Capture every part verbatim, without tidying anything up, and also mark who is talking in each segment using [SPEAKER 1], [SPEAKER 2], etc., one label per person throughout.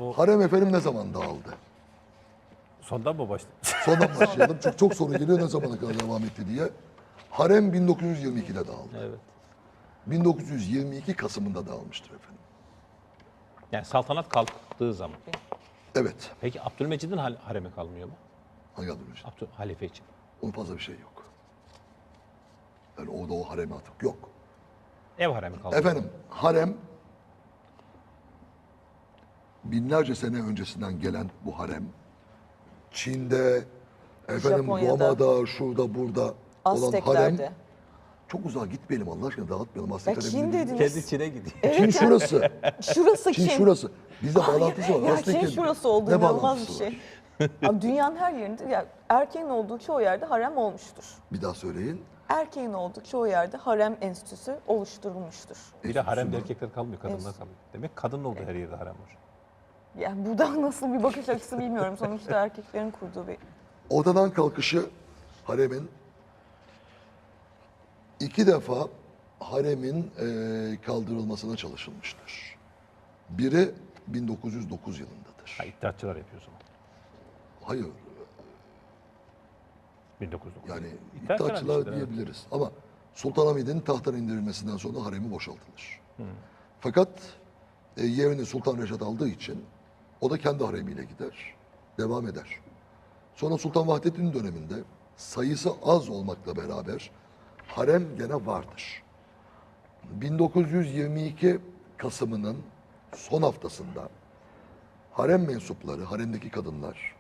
[SPEAKER 1] O...
[SPEAKER 2] Harem efendim ne zaman dağıldı?
[SPEAKER 1] Sondan mı başladı?
[SPEAKER 2] Sondan başlayalım. Çünkü çok soru geliyor ne zamana kadar devam etti diye. Harem bin dokuz yüz yirmi ikide dağıldı.
[SPEAKER 1] Evet.
[SPEAKER 2] bin dokuz yüz yirmi iki Kasım'ında dağılmıştır efendim.
[SPEAKER 1] Yani saltanat kalktığı zaman.
[SPEAKER 2] Evet.
[SPEAKER 1] Peki Abdülmecid'in hal- haremi kalmıyor mu?
[SPEAKER 2] Hangi adım için?
[SPEAKER 1] Abdül halife için.
[SPEAKER 2] Onun fazla bir şey yok. Yani orada o harem artık yok.
[SPEAKER 1] Ev haremi kalıyor.
[SPEAKER 2] Efendim harem binlerce sene öncesinden gelen bu harem Çin'de, efendim
[SPEAKER 3] Japonya'da,
[SPEAKER 2] Roma'da, şurada, burada olan harem
[SPEAKER 3] Azteklerde.
[SPEAKER 2] çok uzağa gitmeyelim Allah aşkına dağıtmayalım.
[SPEAKER 3] Ya
[SPEAKER 2] Aztek
[SPEAKER 3] Çin
[SPEAKER 2] haremini değil.
[SPEAKER 3] dediniz.
[SPEAKER 1] Kendi Çin'e gidiyor.
[SPEAKER 2] Çin şurası.
[SPEAKER 3] Şurası
[SPEAKER 2] Çin
[SPEAKER 3] Çin.
[SPEAKER 2] şurası. Bizde bağlantısı var.
[SPEAKER 3] Ya
[SPEAKER 2] Aztek'in
[SPEAKER 3] Çin şurası oldu
[SPEAKER 2] ne
[SPEAKER 3] inanılmaz bir
[SPEAKER 2] bağlantısı
[SPEAKER 3] şey.
[SPEAKER 2] var?
[SPEAKER 3] Abi dünyanın her yerinde ya erkeğin olduğu çoğu yerde harem olmuştur.
[SPEAKER 2] Bir daha söyleyin.
[SPEAKER 3] Erkeğin olduğu çoğu yerde harem enstitüsü oluşturulmuştur.
[SPEAKER 1] Bir de haremde
[SPEAKER 2] Enstitüsü mü?
[SPEAKER 1] erkekler kalmıyor, kadınlar kalıyor. Demek kadının olduğu her yerde harem var.
[SPEAKER 3] Yani burada nasıl bir bakış açısı bilmiyorum. Sonuçta erkeklerin kurduğu bir...
[SPEAKER 2] Odadan kalkışı haremin iki defa haremin eee, kaldırılmasına çalışılmıştır. Biri bin dokuz yüz dokuz yılındadır.
[SPEAKER 1] Ha, iddiatçılar yapıyor o zaman.
[SPEAKER 2] Hayır,
[SPEAKER 1] bin dokuz yüz dokuz.
[SPEAKER 2] yani
[SPEAKER 1] İddiatçılar
[SPEAKER 2] iddiaçılar
[SPEAKER 1] işte, evet.
[SPEAKER 2] diyebiliriz. Ama Sultanahmet'in tahttan indirilmesinden sonra haremi boşaltılır. Fakat e, yerini Sultan Reşat aldığı için o da kendi haremiyle gider, devam eder. Sonra Sultan Vahdettin döneminde sayısı az olmakla beraber harem gene vardır. bin dokuz yüz yirmi iki Kasım'ının son haftasında harem mensupları, haremdeki kadınlar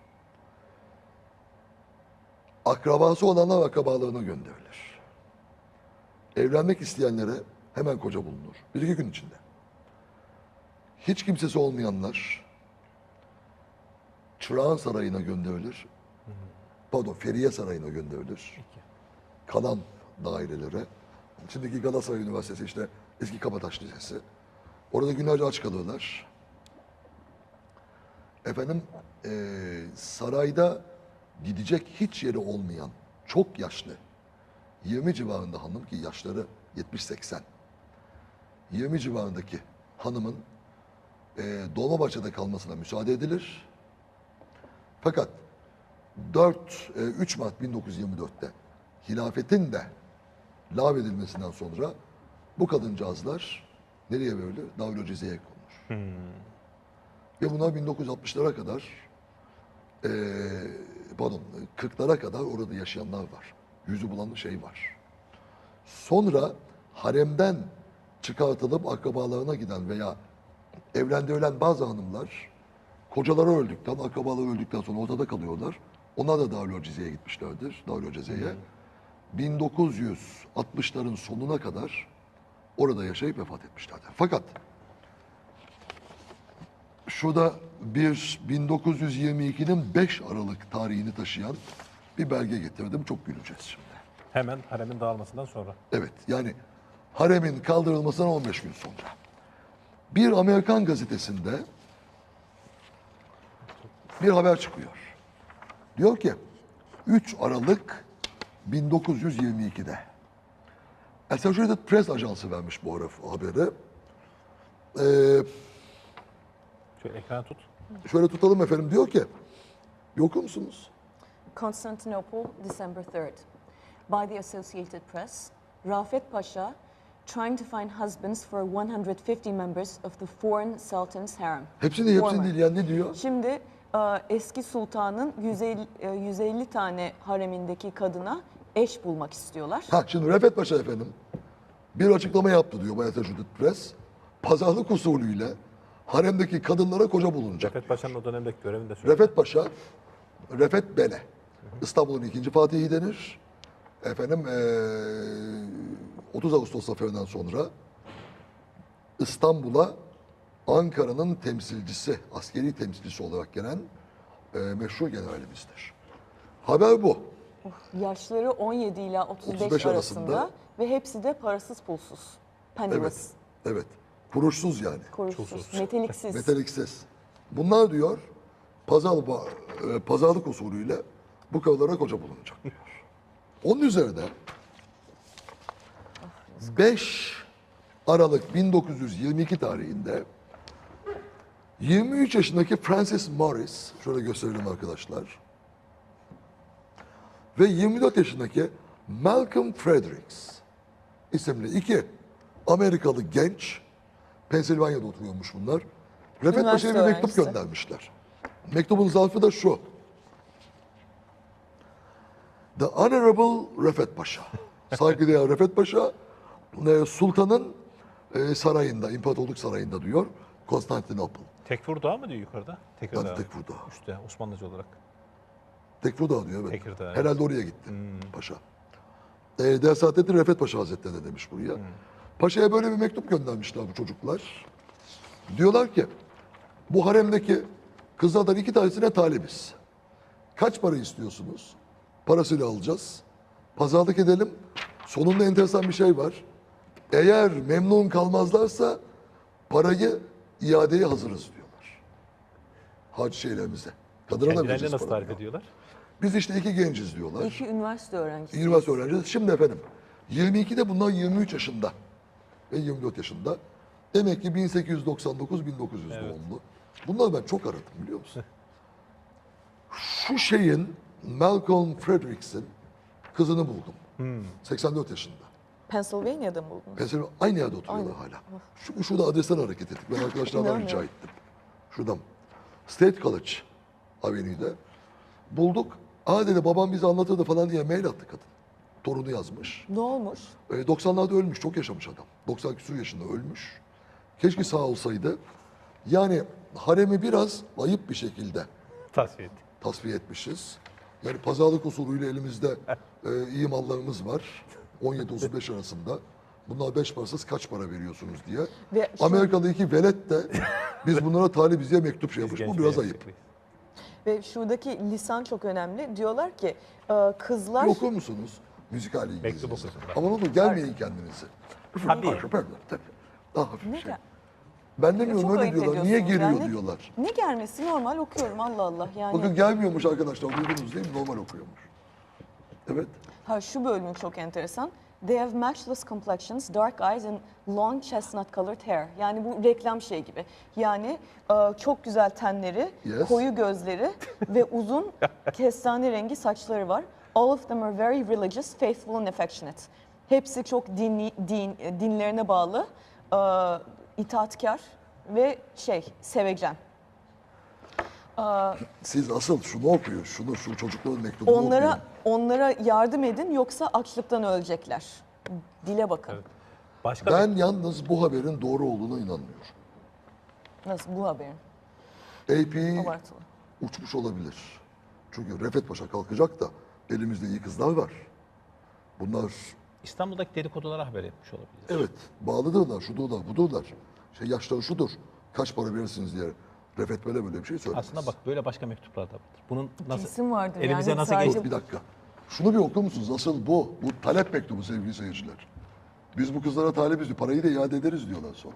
[SPEAKER 2] akrabası olanlar akrabalarına gönderilir. Evlenmek isteyenlere hemen koca bulunur. Bir iki gün içinde. Hiç kimsesi olmayanlar Çırağan Sarayı'na gönderilir. Pardon, Feriye Sarayı'na gönderilir. Kalan dairelere. Şimdiki Galatasaray Üniversitesi işte eski Kabataş Lisesi. Orada günlerce aç kalırlar. Efendim eee, sarayda gidecek hiç yeri olmayan çok yaşlı yirmi civarında hanım ki yaşları yetmiş seksen yirmi civarındaki hanımın eee Dolmabahçe'de kalmasına müsaade edilir. Fakat dört, e, üç Mart bin dokuz yüz yirmi dörtte hilafetin de lağvedilmesinden sonra bu kadıncağızlar nereye verilir? Davul-i Cize'ye konulur. Ve bunlar bin dokuz yüz altmışlara kadar e, pardon kırklara kadar orada yaşayanlar var. Yüzü bulan şey var. Sonra haremden çıkartılıp akrabalarına giden veya evlendirilen bazı hanımlar kocaları öldükten, akrabaları öldükten sonra ortada kalıyorlar. Onlar da Darül Cize'ye gitmişlerdir. Darül Cize'ye. bin dokuz yüz altmışların sonuna kadar orada yaşayıp vefat etmişlerdir. Fakat şurada bir bin dokuz yüz yirmi ikinin beş Aralık tarihini taşıyan bir belge getirdim. Çok güleceğiz şimdi.
[SPEAKER 1] Hemen haremin dağılmasından sonra.
[SPEAKER 2] Evet, yani haremin kaldırılmasına on beş gün sonra. Bir Amerikan gazetesinde bir haber çıkıyor. Diyor ki üç Aralık bin dokuz yüz yirmi ikide Associated Press ajansı vermiş bu haberi. Ee,
[SPEAKER 1] Şöyle ekranı tut.
[SPEAKER 2] şöyle tutalım efendim, diyor ki bir okur musunuz?
[SPEAKER 3] Constantinople, December third. By the Associated Press, Rafet Pasha trying to find husbands for one hundred fifty members of the foreign sultan's harem.
[SPEAKER 2] Hepsini hepsini
[SPEAKER 3] Former.
[SPEAKER 2] değil yani, ne diyor?
[SPEAKER 3] Şimdi e, eski sultanın yüz elli, e, yüz elli tane haremindeki kadına eş bulmak istiyorlar.
[SPEAKER 2] Ha şimdi Refet Paşa efendim bir açıklama yaptı diyor bu Associated Press. Pazarlık usulüyle haremdeki kadınlara koca bulunacak.
[SPEAKER 1] Refet Paşa'nın o dönemdeki görevini de söyledi.
[SPEAKER 2] Refet Paşa, Refet Bele. İstanbul'un ikinci Fatihi denir. Efendim eee, otuz Ağustos zaferinden sonra İstanbul'a Ankara'nın temsilcisi, askeri temsilcisi olarak gelen eee meşhur generalimizdir. Haber bu.
[SPEAKER 3] Yaşları on yedi ila otuz beş,
[SPEAKER 2] otuz beş
[SPEAKER 3] arasında,
[SPEAKER 2] arasında.
[SPEAKER 3] ve hepsi de parasız pulsuz.
[SPEAKER 2] Evet,
[SPEAKER 3] Penniless,
[SPEAKER 2] evet. Kuruşsuz yani.
[SPEAKER 3] kuruşsuz,
[SPEAKER 1] Çulsuz.
[SPEAKER 3] meteliksiz.
[SPEAKER 2] Metaliksiz. Bunlar diyor pazar, e, pazarlık usulüyle bu kadınlara koca bulunacak diyor. Onun üzerine beş Aralık bin dokuz yüz yirmi iki tarihinde yirmi üç yaşındaki Francis Morris, şöyle gösterelim arkadaşlar. Ve yirmi dört yaşındaki Malcolm Fredericks isimli iki Amerikalı genç, Pensilvanya'da oturuyormuş bunlar. Refet
[SPEAKER 3] Üniversite
[SPEAKER 2] Paşa'ya bir mektup
[SPEAKER 3] öğrencisi.
[SPEAKER 2] göndermişler. Mektubun zarfı da şu. The Honorable Refet Paşa. Saygıdeğer Refet Paşa, e, Sultan'ın e, sarayında, İmparatorluk Sarayı'nda diyor. Konstantinopol.
[SPEAKER 1] Tekfur Dağı mı diyor yukarıda? Tekirdağ.
[SPEAKER 2] Tabii Tekfur Dağı.
[SPEAKER 1] Üstte Osmanlıca olarak.
[SPEAKER 2] Tekfur Dağı diyor evet.
[SPEAKER 1] Tekirdağ, evet.
[SPEAKER 2] Herhalde oraya gitti paşa. E, Değer Saadettin Refet Paşa Hazretleri de demiş buraya. Paşa'ya böyle bir mektup göndermişler bu çocuklar. Diyorlar ki bu haremdeki kızlardan iki tanesine talibiz. Kaç para istiyorsunuz? Parasıyla alacağız. Pazarlık edelim. Sonunda enteresan bir şey var. Eğer memnun kalmazlarsa parayı iadeye hazırız diyorlar. Hac şeylerimize. Kadına da
[SPEAKER 1] Kendilerini
[SPEAKER 2] vereceğiz
[SPEAKER 1] nasıl
[SPEAKER 2] parayı.
[SPEAKER 1] tarif ediyorlar?
[SPEAKER 2] Biz işte iki genciz diyorlar.
[SPEAKER 3] İki üniversite öğrencisi.
[SPEAKER 2] Üniversite öğrencisi. Şimdi efendim yirmi ikide bunlar yirmi üç yaşında ve yirmi dört yaşında. Demek ki bin sekiz yüz doksan dokuz bin dokuz yüz doğumlu. Bunları ben çok aradım biliyor musun? Şu şeyin Malcolm Fredericks'in kızını buldum. seksen dört yaşında.
[SPEAKER 3] Pennsylvania'da mı buldunuz?
[SPEAKER 2] Pensilvanya aynı yerde oturuyorlar hala. Şu, şurada adresten hareket ettik. Ben arkadaşlardan rica
[SPEAKER 3] İnanmıyorum.
[SPEAKER 2] ettim. Şuradan. State College Avenue'de. Bulduk. Aa dedi babam bize anlatırdı falan diye mail attı kadın. Torunu yazmış.
[SPEAKER 3] Ne olmuş?
[SPEAKER 2] E, doksanlarda ölmüş. Çok yaşamış adam. doksan küsur yaşında ölmüş. Keşke sağ olsaydı. Yani haremi biraz ayıp bir şekilde
[SPEAKER 1] Tasfiye etti.
[SPEAKER 2] tasfiye etmişiz. Yani pazarlık usulüyle elimizde e, iyi mallarımız var. on yedi otuz beş arasında. Bunlar beş parasız kaç para veriyorsunuz diye.
[SPEAKER 3] Ve şu-
[SPEAKER 2] Amerikalı iki velet de biz bunlara talibiz diye mektup şey yapmış.
[SPEAKER 1] Genç
[SPEAKER 2] Bu
[SPEAKER 1] bir
[SPEAKER 2] biraz
[SPEAKER 1] genç
[SPEAKER 2] ayıp.
[SPEAKER 1] yakışıklıyız.
[SPEAKER 3] Ve şuradaki lisan çok önemli. Diyorlar ki e, kızlar...
[SPEAKER 2] Bir okur musunuz? Müzikal İngilizce.
[SPEAKER 1] Mektup okusun bak.
[SPEAKER 2] Ama ne olur gelmeyin kendinize.
[SPEAKER 1] Tabii.
[SPEAKER 2] Tabii. Daha hafif
[SPEAKER 3] Ne
[SPEAKER 2] şey.
[SPEAKER 3] gel-
[SPEAKER 2] Ben demiyorum
[SPEAKER 3] Çok
[SPEAKER 2] öyle
[SPEAKER 3] ayıp
[SPEAKER 2] diyorlar. Niye
[SPEAKER 3] ediyorsunuz
[SPEAKER 2] geliyor
[SPEAKER 3] yani.
[SPEAKER 2] diyorlar.
[SPEAKER 3] Ne gelmesi normal okuyorum Allah Allah yani.
[SPEAKER 2] Bakın gelmiyormuş arkadaşlar. Duydunuz değil mi? Normal okuyormuş. Evet.
[SPEAKER 3] Ha şu bölüm çok enteresan. They have matchless complexions, dark eyes and long chestnut colored hair. Yani bu reklam şey gibi. Yani e, çok güzel tenleri,
[SPEAKER 2] Yes.
[SPEAKER 3] koyu gözleri ve uzun kestane rengi saçları var. All of them are very religious, faithful and affectionate. Hepsi çok dinli, din, dinlerine bağlı, e, itaatkar ve şey, sevecen.
[SPEAKER 2] Siz asıl şunu okuyun. Şunu, şu çocukların mektubunu
[SPEAKER 3] Onlara
[SPEAKER 2] okuyun.
[SPEAKER 3] onlara yardım edin yoksa açlıktan ölecekler. Dile bakın.
[SPEAKER 1] Evet. Başka
[SPEAKER 2] Ben yalnız bu haberin doğru olduğuna inanmıyorum.
[SPEAKER 3] Nasıl bu haberin?
[SPEAKER 2] A P
[SPEAKER 3] Abartılı.
[SPEAKER 2] uçmuş olabilir. Çünkü Refet Paşa kalkacak da elimizde iyi kızlar var. Bunlar
[SPEAKER 1] bir İstanbul'daki dedikodulara haber etmiş olabilir.
[SPEAKER 2] evet bağlıdırlar, şudurlar, budurlar. Şey yaşları şudur. Kaç para verirsiniz diye Refet böyle böyle bir şey söylemez.
[SPEAKER 1] Aslında bak böyle başka mektuplar da vardır. Bunun nasıl
[SPEAKER 3] Kesin vardır
[SPEAKER 1] elimize
[SPEAKER 3] yani,
[SPEAKER 1] nasıl
[SPEAKER 3] sadece-
[SPEAKER 1] geçti?
[SPEAKER 2] Bir dakika. Şunu bir okur musunuz? Asıl bu. Bu talep mektubu sevgili seyirciler. Biz bu kızlara talibiz diyor. Parayı da iade ederiz diyorlar sonra.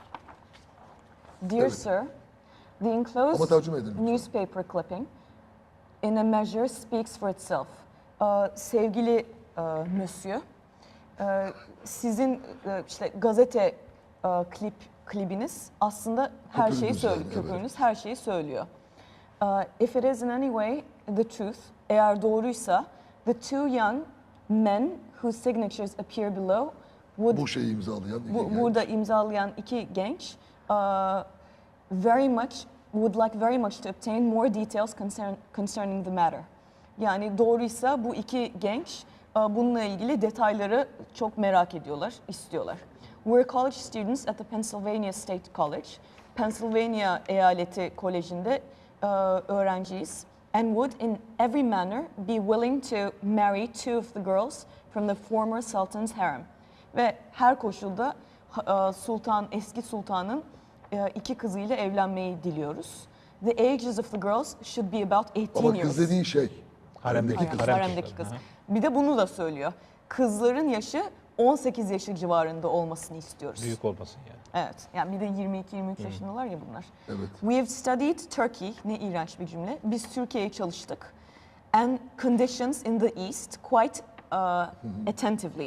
[SPEAKER 3] Dear
[SPEAKER 2] Evet.
[SPEAKER 3] sir, the
[SPEAKER 2] Ama
[SPEAKER 3] enclosed
[SPEAKER 2] tercüme edin lütfen.
[SPEAKER 3] newspaper clipping in a measure speaks for itself. Ee, sevgili e, monsieur, e, sizin e, işte gazete e, klip klibiniz aslında her şeyi
[SPEAKER 2] Köpüğünüz
[SPEAKER 3] söylüyor.
[SPEAKER 2] yani, evet.
[SPEAKER 3] Köpüğünüz her şeyi söylüyor. Uh, if it is in any way the truth, eğer doğruysa, the two young men whose signatures appear below would
[SPEAKER 2] Bu şeyi imzalayan iki
[SPEAKER 3] bu,
[SPEAKER 2] genç.
[SPEAKER 3] burada imzalayan iki genç uh, very much would like very much to obtain more details concern, concerning the matter. Yani doğruysa bu iki genç uh, bununla ilgili detayları çok merak ediyorlar, istiyorlar. We're college students at the Pennsylvania State College. Pennsylvania Eyaleti Koleji'nde uh, öğrenciyiz. And would in every manner be willing to marry two of the girls from the former sultan's harem. Ve her koşulda e, sultan, eski sultanın e, iki kızıyla evlenmeyi diliyoruz. The ages of the girls should be about eighteen
[SPEAKER 2] Ama
[SPEAKER 3] years.
[SPEAKER 2] kız dediğin şey.
[SPEAKER 1] Haremdeki
[SPEAKER 2] Haremdeki
[SPEAKER 1] kız. Harem
[SPEAKER 3] Haremdeki
[SPEAKER 1] kızları,
[SPEAKER 3] kız.
[SPEAKER 1] aha.
[SPEAKER 3] Bir de bunu da söylüyor. Kızların yaşı on sekiz yaşı civarında olmasını istiyoruz.
[SPEAKER 1] Büyük olmasın yani.
[SPEAKER 3] Evet. Yani bir de yirmi iki yirmi üç yaşındalar ya bunlar.
[SPEAKER 2] Evet.
[SPEAKER 3] We have studied Turkey. Ne iğrenç bir cümle. Biz Türkiye'yi çalıştık. And conditions in the East quite uh, attentively.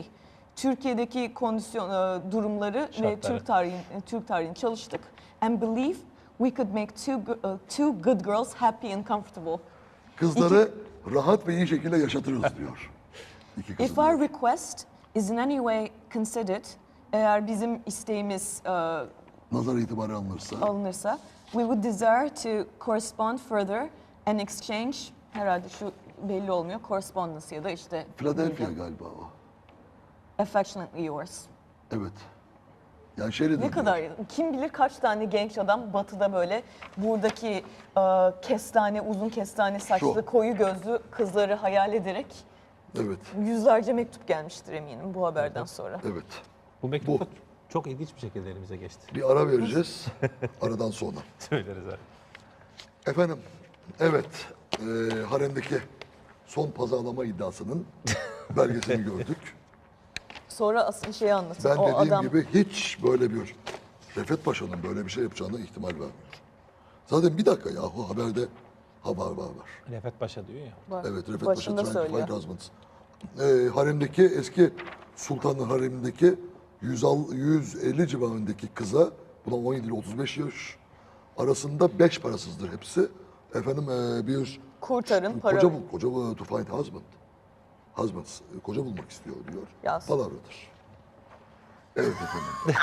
[SPEAKER 3] Türkiye'deki kondisyon e, durumları ve
[SPEAKER 1] Şartları.
[SPEAKER 3] Türk tarihini Türk tarihini çalıştık. And believe we could make two, go- uh, two good girls happy and comfortable.
[SPEAKER 2] Kızları rahat ve iyi şekilde yaşatırız diyor. İki kızı
[SPEAKER 3] If our
[SPEAKER 2] diyor.
[SPEAKER 3] request is in any way considered, eğer bizim isteğimiz uh,
[SPEAKER 2] Nazar itibarı alınırsa
[SPEAKER 3] alınırsa, we would desire to correspond further and exchange, herhalde şu belli olmuyor, correspondence ya da işte
[SPEAKER 2] Philadelphia galiba o.
[SPEAKER 3] affectionately yours.
[SPEAKER 2] Evet. Yani şeyle
[SPEAKER 3] Ne
[SPEAKER 2] diyor.
[SPEAKER 3] kadar, kim bilir kaç tane genç adam batıda böyle buradaki e, kestane, uzun kestane saçlı,
[SPEAKER 2] Şu.
[SPEAKER 3] koyu gözlü kızları hayal ederek
[SPEAKER 2] Evet.
[SPEAKER 3] yüzlerce mektup gelmiştir eminim bu haberden sonra.
[SPEAKER 2] Evet.
[SPEAKER 1] Bu mektup da çok ilginç bir şekilde elimize geçti.
[SPEAKER 2] Bir ara vereceğiz. Aradan sonra.
[SPEAKER 1] Söyleriz abi.
[SPEAKER 2] Efendim, evet. E, haremdeki son pazarlama iddiasının belgesini gördük.
[SPEAKER 3] Sonra asıl şeyi anlatın.
[SPEAKER 2] Ben
[SPEAKER 3] o
[SPEAKER 2] dediğim
[SPEAKER 3] adam
[SPEAKER 2] gibi hiç böyle bir Refet Paşa'nın böyle bir şey yapacağına ihtimal vermiyorum. Zaten bir dakika yahu haberde ha var var var.
[SPEAKER 1] Refet Paşa diyor ya.
[SPEAKER 3] var.
[SPEAKER 2] Evet Refet
[SPEAKER 3] Başında
[SPEAKER 2] Paşa
[SPEAKER 3] söylüyor.
[SPEAKER 2] Twenty Husbands. Ee, haremdeki eski sultanın haremindeki yüz al- yüz elli civarındaki kıza buna on yedi ile otuz beş yaş arasında beş parasızdır hepsi. Efendim ee, bir
[SPEAKER 3] Kurtarın, para
[SPEAKER 2] koca
[SPEAKER 3] verin.
[SPEAKER 2] bul, koca bul, to find husband. Husbands, e, koca bulmak istiyor diyor.
[SPEAKER 3] Yaz.
[SPEAKER 2] Palavradır. Evet efendim.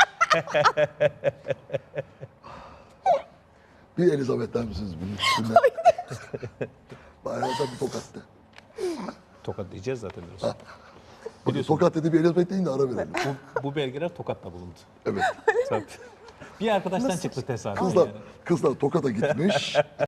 [SPEAKER 2] Bir Elizabeth der misiniz bunun üstüne? Bayağı da bir tokattı.
[SPEAKER 1] Tokat diyeceğiz zaten biraz.
[SPEAKER 2] Bir tokat dedi bir Elizabeth deyin de ara verelim.
[SPEAKER 1] Bu, bu belgeler Tokat'ta bulundu.
[SPEAKER 2] Evet.
[SPEAKER 1] Tabii. Bir arkadaştan çıktı tesadüf
[SPEAKER 2] Kızlar,
[SPEAKER 1] yani.
[SPEAKER 2] kızlar Tokat'a gitmiş.